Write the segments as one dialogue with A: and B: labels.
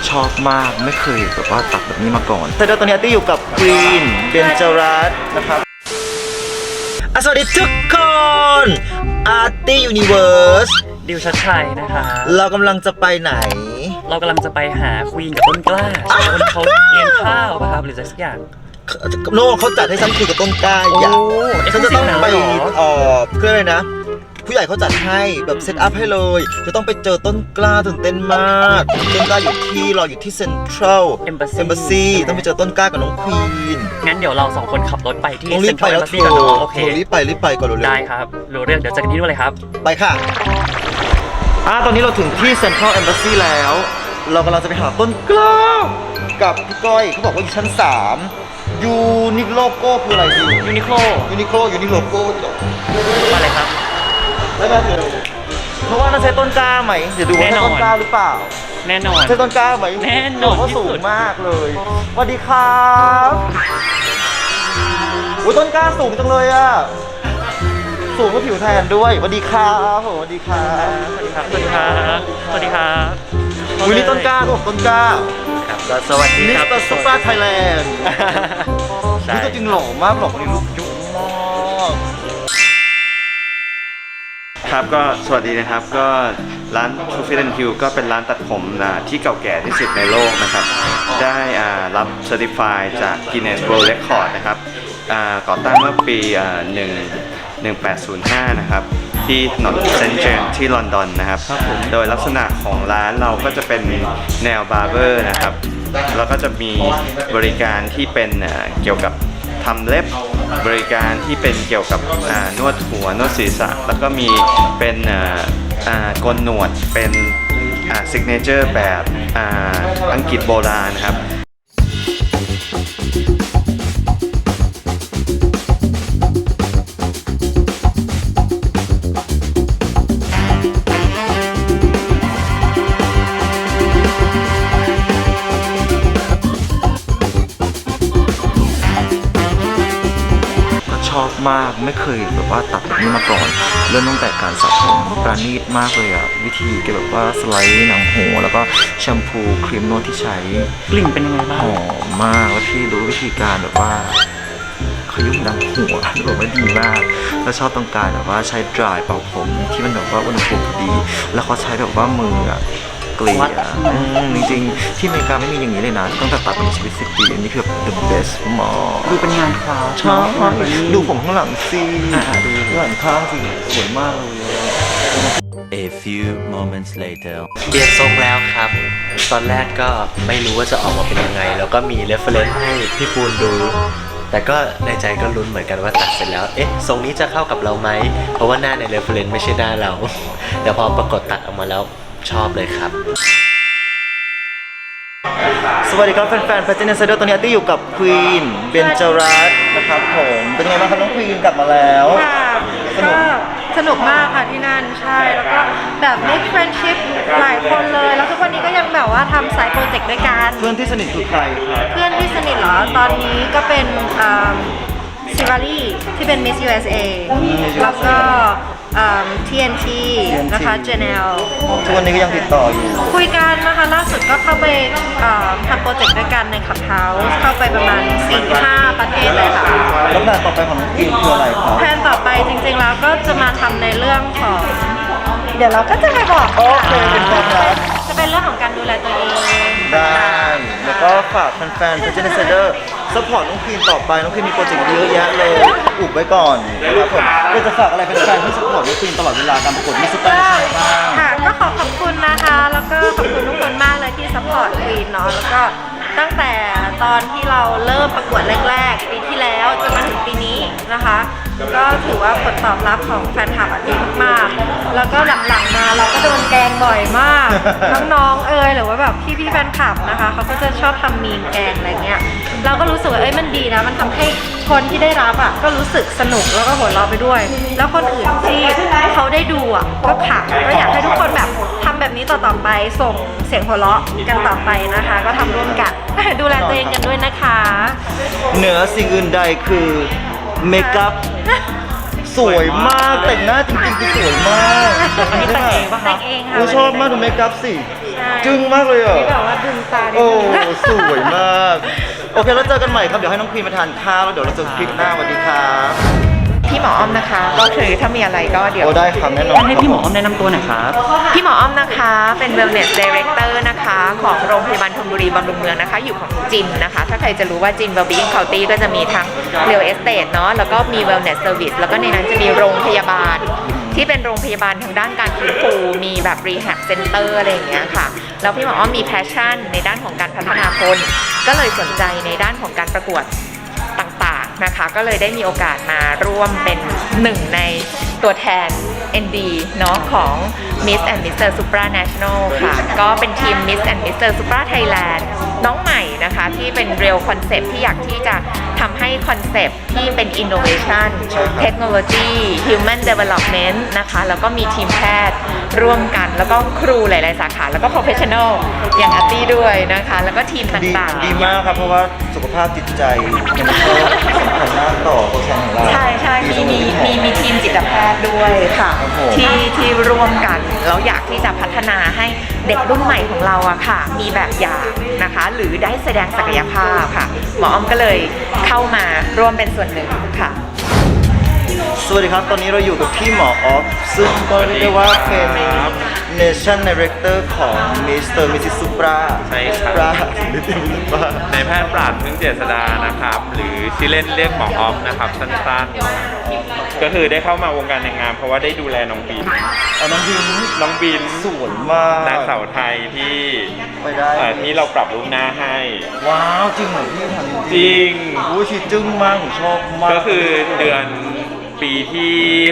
A: ชอบมากไม่เคยแบบว่าตัดแบบนี้มาก่อนแต่เดี๋ยวตอนนี้อาร์ตี้อยู่กับควีนเบนจรัสนะครับสวัสดีทุกคนอาร์ตี้ยูนิเวิร์ส
B: ดิวชัดชัยนะคะ
A: เรากำลังจะไปไหน
B: เรากำลังจะไปหาควีนกับต้นกล้าคนเขาเลี้ยงข้าวป่ะครับหรืออะไรสักอย่าง
A: โน่เขาจัดให้ฉันคุยกับต้นกล้าอย่างฉันจะต้องไปเพื่ออะไรนะผู้ใหญ่เขาจัดให้แบบเซตอัพให้เลยจะต้องไปเจอต้นกล้าตื่นเต้นมากต้นกล้าอยู่ที่เซ็นทรัลเอมบาซีต้องไปเจอต้นกล้ากับน้องควีน
B: งั้นเดี๋ยวเรา2คนขับรถไปที่
A: เซ็นทรัลเอมบาซีกันเนาะโอเครีบไปก่อนเร็ว
B: ได้ครับรู้เรื่องเดี๋ยวเจอกันที่นู่นเลยครับ
A: ไปค่ะตอนนี้เราถึงที่เซ็นทรัลเอมบาซีแล้วเรากำลังจะไปหาต้นกล้ากับพี่ก้อยเขาบอกว่าอยู่ชั้น3ยูนิโลโก้คืออะไรดี
B: ยูนิโค
A: โลโก้
B: มาเลยครับ
A: แล้วก็เพราะว่าน่าใช้ต้นกล้าไหมเดี๋ยวดูว่าใช่ต้นกล้าหรือเปล่า
B: แน่นอน
A: ใช่ต้นกล้าไหม
B: แน่นอน
A: เขาสูงมากเลยสวัสดีครับอุ้ยต้นกล้าสูงจังเลยอ่ะสูงกว่าผิวแทนด้วยสวัสดีครับสวัสดีครับอุ้ยนี่ต้นกล้าต้นกล้า
B: ครับสวัสดีครับ
A: มิสเตอร์ซุปเปอร์ไทยแลนด์นี่ตัวจริงหล่อมากหล่อคนนี้ลูกยุบมาก
C: ครับก็สวัสดีนะครับก็ร้าน True Fit and Hue ก็เป็นร้านตัดผมที่เก่าแก่ที่สุดในโลกนะครับได้รับ Certify จาก Guinness World Record นะครับก่อตั้งเมื่อปี1805นะครับที่ถนนเซนต์เจมส์ที่ลอนดอนนะครับโดยลักษณะของร้านเราก็จะเป็นแนวบาร์เบอร์นะครับแล้วก็จะมีบริการที่เป็นเกี่ยวกับทำเล็บบริการที่เป็นเกี่ยวกับนวดหัวนวดศีรษะแล้วก็มีเป็นโกนหนวดเป็นซิกเนเจอร์แบบอังกฤษโบราณนะครับ
A: ชอบมากไม่เคยแบบว่าตัดแบบนี้มาก่อนเริ่มตั้งแต่การสระผมประณีตมากเลยอะวิธีแกแบบว่าสไลด์หนังหัวแล้วก็แชมพูครีมนวดที่ใช้
B: กลิ่นเป็นยังไงบ้าง
A: หอมมากแล้วพี่รู้วิธีการแบบว่าขยุ่มหนังหัวแบบว่าดีมากแล้วชอบต้องการแบบว่าใช้ดรายเป่าผมที่มันแบบว่าอุณหภูมิพอดีแล้วเขาใช้แบบว่ามืออะเกลี่ยจริงๆที่อเมริกาไม่มีอย่างนี้เลยนะตั้งแต่ตัดเป็นชีวิต10 ปีอันนี้คือ the best หมอ
B: ดูเป็นงานคราฟ
A: ชอบดูผมข้างหลังสิดูหลังข้างสิสวยมากเลย
D: A few moments later
E: เปลี่ยนทรงแล้วครับตอนแรกก็ไม่รู้ว่าจะออกมาเป็นยังไงแล้วก็มี reference ให้พี่ปูนดูแต่ก็ในใจก็ลุ้นเหมือนกันว่าตัดเสร็จแล้วทรงนี้จะเข้ากับเราไหมเพราะว่าหน้าใน reference ไม่ใช่หน้าเราแต่พอปรากฏตัดออกมาแล้วชอบเลยครับ
A: สวัสดีครับแฟนๆ Pageant Insider ตอนนี้อาร์ตี้อยู่กับควีนเบนจรัสนะครับผมเป็นไงบ้างครับน้องควีนกลับมาแล้ว
F: ก็สนุกมากค่ะที่นั่นใช่แล้วก็แบบ make friendship หลายคนเลยแล้วทุกวันนี้ก็ยังแบบว่าทำสายโปรเจกต์ด้วยกัน
A: เพื่อนที่สนิทคือใครครับ
F: เพื่อนที่สนิทเหรอตอนนี้ก็เป็นซิวารีที่เป็น Miss USA แล้วก็TNT นะคะ Janelle
A: ทุกวันนี้ก็ยังติดต่ออยู่
F: คุยกันนะคะล่าสุดก็เข้าไปทำโปรเจกต์ด้วยกันใน Clubhouse เข้าไปประมาณ 4-5 ประเทศเลยค่ะ
A: แล้วแผนต่อไปของน้องควีนคืออะไรครับ
F: แผนต่อไปจริงๆแล้วก็จะมาทำในเรื่องของเดี๋ยวเราก็จะไปบอก
A: โอเคเป็นความลับ
F: จะเป็นเรื่องของการดูแลตัวเอง
A: ได้แล้วก็ฝากแฟนๆ Pageant Insider ซัพพอร์ตน้องควีนต่อไปน้องควีนมีโปรเจกต์เยอะแยะเลยอุบไว้ก่อนนะครับผมก็จะฝากอะไรเป็นแฟนที่ซัพพอร์ตน้องควีนตลอดเวลาการประกวดมิส Super บ้าง
F: ค่ะก็ขอบคุณนะคะแล้วก็ขอบคุณทุกคนมากเลยที่ซัพพอร์ตควีนเนาะแล้วก็ตั้งแต่ตอนที่เราเริ่มประกวดแรกๆปีที่แล้วจนมาถึงปีนี้นะคะก็ถือว่าผลตอบรับของแฟนคลับดีมากๆแล้วก็หลังๆมาเราก็โดนแกล้งบ่อยมากน้องๆหรือว่าแบบพี่ๆแฟนคลับนะคะเขาก็จะชอบทำมีมแกล้งอะไรเงี้ยเราก็รู้สึกว่ามันดีนะมันทำให้คนที่ได้รับก็รู้สึกสนุกแล้วก็หัวเราะไปด้วยแล้วคนอื่นที่เขาได้ดูก็ขำก็อยากให้ทุกคนแบบทำแบบนี้ต่อๆไปส่งเสียงหัวเราะกันต่อไปนะคะก็ทำร่วมกันดูแลตัวเองกันด้วยนะคะ
A: เหนือสิ่งอื่นใดคือเมคอัพสวยมากแต่งหน้าจริงๆคือสวยมาก
F: แต่งเองป่ะคะแต่งเองค่ะ
A: ชอบมากดูเมคอัพสิ
F: ใช่
A: จึ้งมากเลยอ่ะ
F: ที่แบบว่าดึงตานิด
A: โอ้
F: นึง
A: สวยมาก โอเคแล้วเจอกันใหม่ครับ เดี๋ยวให้น้องควีนมาทานข้าวแล้วเดี๋ยวเราเจอคลิปหน้าสวัสดีครับ
F: พี่หมออ้อมนะคะ ก็คือถ้ามีอะไรก็เดี๋ยว
A: โอ้ได้ครับแน่นอน
B: ให้พี่หมออ้อมแนะนำตัวหน่อยครับ
F: พี่หมออ้อมนะคะเป็น Wellness Director นะคะของโรงพยาบาลธนบุรีบำรุงเมืองนะคะ อยู่ของจินนะคะ ถ้าใครจะรู้ว่าจิน Wellbeing County ก็จะมีทั้ง Real Estate เนาะแล้วก็มี Wellness Service แล้วก็ในนั้นจะมีโรงพยาบาล ที่เป็นโรงพยาบาลทางด้านการฟื้นฟูมีแบบ Rehab Center อะไรอย่างเงี้ยค่ะแล้วพี่หมออ้อมมี passion ในด้านของการพัฒนาคนก็เลยสนใจในด้านของการประกวดต่างๆนะคะก็เลยได้มีโอกาสมาร่วมเป็นหนึ่งในตัวแทน ND เนาะของ Miss and Mr. Supra National ค่ะก็เป็นทีม Miss and Mr. Supra Thailand น้องใหม่นะคะที่เป็น Real Concept ที่อยากที่จะทำให้คอนเซปต์ที่เป็น Innovation Technology Human Development นะคะแล้วก็มีทีมแพทย์ร่วมกันแล้วก็ครูหลายๆสาขาแล้วก็ Professional อย่างอาร์ตี้ด้วยนะคะแล้วก็ทีม
A: ดี
F: ต่างๆ
A: ดีมากครับ เพราะว่าสุขภาพจิตใจมันก็สำคัญมากต่อตัวแทนของเรา
F: ใช่ใช่มีทีมจิตแพทย์ด้วยค่ะ
A: ครับผม
F: ที่ร่วมกันแล้วอยากที่จะพัฒนาให้เด็กรุ่นใหม่ของเราอะค่ะ มีแบบอย่างนะคะ หรือได้แสดงศักยภาพค่ะ หมออ้อมก็เลยเข้ามาร่วมเป็นส่วนหนึ่งค่ะ
A: สวัสดีครับ ตอนนี้เราอยู่กับพี่หมอออฟ ซึ่งก็เรียกได้ว่าเป็น Nation Director ของ Mr. Mrs. Supra
C: ใช่ครับ
A: Supra
C: นายแพทย์ปราดพึ่งเจษดานะครับ หรือชื่อเล่นเรียกหมอออฟนะครับสั้นๆก็คือได้เข้ามาวงการนางงามเพราะว่าได้ดูแลน้องบิน
A: เอาน้องบิน
C: น้องบิน
A: สวยมาก
C: นางสาวไทยที่
A: ไปได้
C: ที่เราปรับรูปหน้าให้
A: ว้าว จริงเหรอพี่ทำ
C: จริง
A: อู้ชีจึ้งมากผมชอบมาก
C: ก็คือเดือนปีที่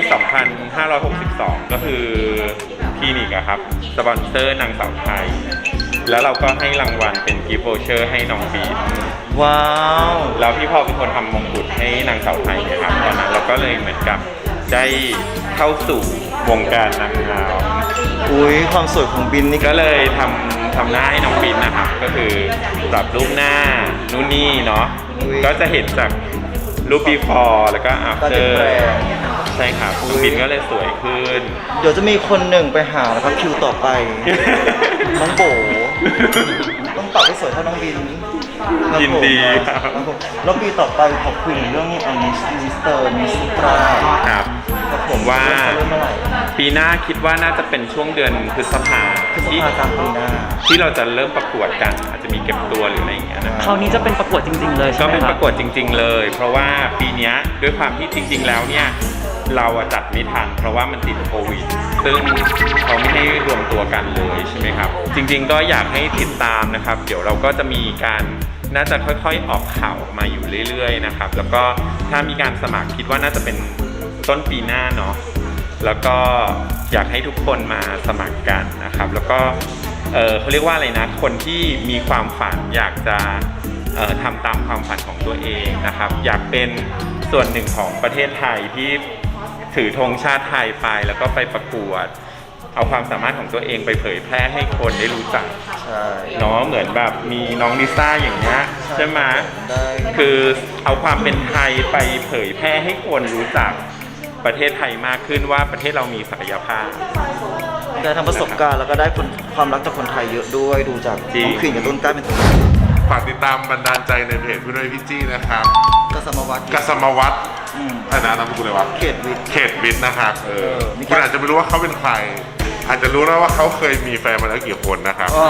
C: 2562 ก็คือคลินิกอะครับสปอนเซอร์นางสาวไทย แล้วเราก็ให้รางวัลเป็นกิฟต์โวเชอร์ให้น้องบีน
A: ว้าว
C: แล้วพี่พ่อเป็นคนทำมงกุฎให้นางสาวไทยนะครับตอนนั้นเราก็เลยเหมือนกับได้เข้าสู่วงการนางงาม
A: อุ้ยความสวยของบินนี่
C: ก็เลยทำหน้าให้น้องบินนะครับ ก็คือปรับรูปหน้านู่นนี่เนาะก็จะเห็นจากรูป before แล้วก็
A: ก็จะ
C: after
A: แปลง
C: ใช่ครับน้องบินก็เลยสวยขึ้น
A: เดี๋ยวจะมีคนหนึ่งไปหาแล้วครับคิวต่อไป น้องโบต้องปรับให้สวยเท่าน้องบินครับผม
C: ยินดีครับ
A: ผมแล้วปีต่อไปขอคุยเรื่องมิสเตอร์มิสตรา
C: ครับ
A: ครับผม
C: ว่า
A: เริ่มเมื่อไหร่
C: ปีหน้าคิดว่าน่าจะเป็นช่วงเดือนพฤษภา
A: พฤษ
C: ที่
A: ภาคมปีหน้า
C: ที่เราจะเริ่มประกวดกัน อาจจะมีเก็บตัวหรืออะไรอย่างเงี้ยนะครับ
B: คราวนี้จะเป็นประกวดจริง ๆ เลยใช่
C: ก็
B: ไหม
C: เป็น
B: ค
C: ป
B: รับ
C: ระกวดจริง ๆ เลย เพราะว่าปีเนี้ยด้วยความที่จริง ๆ แล้วเนี่ยเราอะจัดไม่ทัน เพราะว่ามันติดโควิด ซึ่งเขาไม่ให้รวมตัวกันเลยใช่ไหมครับ จริง ๆ ก็อยากให้ติดตามนะครับ เดี๋ยวเราก็จะมีการน่าจะค่อยๆออกข่าวมาอยู่เรื่อยๆนะครับ แล้วก็ถ้ามีการสมัครคิดว่าน่าจะเป็นต้นปีหน้าเนาะ แล้วก็อยากให้ทุกคนมาสมัครกันนะครับ แล้วก็เขาเรียกว่าอะไรนะ คนที่มีความฝันอยากจะทำตามความฝันของตัวเองนะครับ อยากเป็นส่วนหนึ่งของประเทศไทยที่ถือธงชาติไทยไปแล้วก็ไปประกวด เอาความสามารถของตัวเองไปเผยแพร่ให้คนได้รู้จัก
A: ใช่
C: เนาะเหมือนแบบมีน้องลิซ่าอย่างเงี้ยใช่ไหม
A: ได้
C: คือเอาความเป็นไทยไปเผยแพร่ให้คนรู้จักประเทศไทยมากขึ้นว่าประเทศเรามีศักยภาพ
A: ได้ทำประสบการณ์แล้วก็ได้ความรักจากคนไทยเยอะด้วยดูจาก
C: จริง
A: น้องควีนกับต้นกล้าเป็นตัว
G: ฝากติดตามบันดาลใจในเพจพี่นุ้ยพี่จี้นะครับ
A: ก็สมวัต
G: กัสมวัตร
A: อืม
G: อันนั้นนามสกุลอะไรวะ
A: เขตวิทย์
G: เขตวิทย์นะครับ
A: มี
G: คุณอาจจะไม่รู้ว่าเขาเป็นใคร อาจจะรู้นะว่าเขาเคยมีแฟนมาแล้วกี่คนนะครับ
A: อ๋อ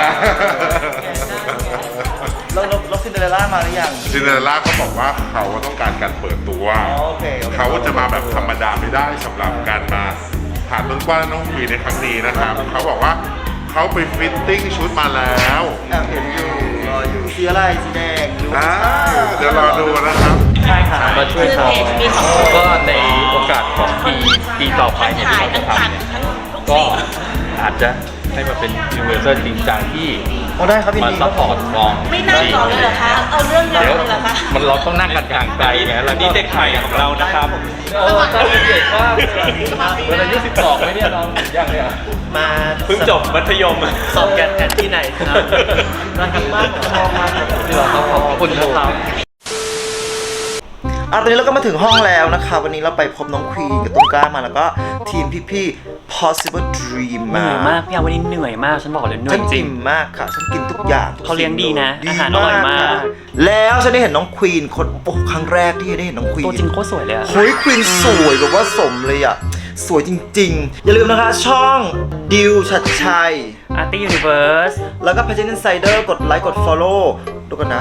A: แล้วซินเดอเรลล่ามาหรือยัง
G: ซินเดอเรลล่าเขาบอกว่าเขาต้องการการเปิดตัว
A: อ๋อโอเคโอเค
G: เขาจะมาแบบธรรมดาไม่ได้สำหรับการมาผ่านต้นกล้าน้องวีในครั้งนี้นะครับ เขาบอกว่าเขาไปฟิตติ้งชุดมาแล้ว
A: แอบเห็นอยู่รออยู่สีอะไรสีแดงหรือว่า
G: เดี๋ยวรอดูนะครับ
B: ใช่ครับ
E: มาช่วยทำก็ในโอกาสของปีต่อไปเนี่ยที่เราจะทำเนี่ยก็อาจจะให้มาเป็นยูนิเวอร์แซลจริงจังที่
A: โอ้ได้ครับยิน
E: มา
A: ดีค
E: ซั
A: รั
E: พ
A: บ
E: พอร์ตกอง
H: ไม่นั่งก่อนเลยเหรอคะ เอาเรื่องเดียว
E: เดี๋ยว
H: เลยเหรอคะ
E: มันเราต้องนั่งกันห่างไกลไงแล้ว
C: นี่เด็กใหม่ของเรานะครับ
E: ตอนเด็กว่าเวลาอายุ12ไหมเนี่ยน้องยังเนี่ยมา
C: เพิ่งจบมัธยม
E: สอบกันที่ไหนครับน่ารักมากชอบมากที่เราขอบคุณนะครับ
A: ตอนนี้เราก็มาถึงห้องแล้วนะคะ วันนี้เราไปพบน้องควีนกับต้นกล้ามาแล้วก็ทีมพี่ๆ Possible Dream
B: เหนื่
A: มา
B: อยมากพี่อาวันนี้เหนื่อยมากฉันบอกเลยเหนื่อ
A: ฉั
B: ย
A: น
B: จริ
A: อิ่
B: ง
A: มมากค่ะ ฉันกินทุกอย่างทุก
B: เขาเลี้ยงดีนะ
A: สิ่
B: อาหารอร่อยมาก
A: ค่ะแล้วฉันได้เห็นน้องควีนคนโอ้ครั้งแรกที่ได้เห็นน้องควีน
B: ตัวจริงโคตรสวยเลยอะ
A: เฮ้ยควีนสวยแบบว่าสมเลยอ่ะ สวยจริงๆ อย่าลืมนะคะช่องดิวชัดชัย
B: อาร์ตี้ยูนิเวิร์ส
A: แล้วก็ Pageant Insider กดไลค์กด follow ดูกันนะ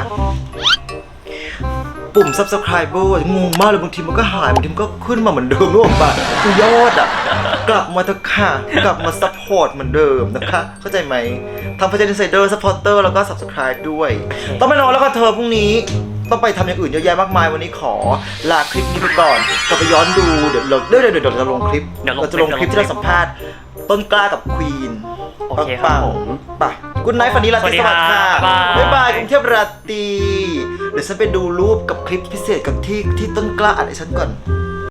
A: ปุ่ม subscriber งงมากเลยบางทีมันก็หายบางทีมันก็ขึ้นมาเหมือนเดิมนึกออกปะคือยอดอ่ะ กลับมาเถอะค่ะ กลับมา support เหมือนเดิมนะคะ เข้าใจไหมทำ Pageant Insider supporter แล้วก็ subscribe ด้วย ต้องไปนอนแล้วก็เธอพรุ่งนี้ ต้องไปทำอย่างอื่นเยอะแยะมากมายวันนี้ขอลาคลิปนี้ไปก่อนกลับไปย้อนดูเดี๋ยวเราจะลงคลิปเราจะลงคลิปที่เราสัมภาษณ์ต้นกล้ากับควีน
B: โอเคครับผม
A: ไปกุ๊ดไนท์ฝันดีราตรีสวัสดิ์ค่ะ
B: สวัสดีครับ
A: บ๊ายบายกรุงเทพราตรีเดี๋ยวฉันไปดูรูปกับคลิปพิเศษกับที่ต้นกล้าอัดให้ฉันก่อน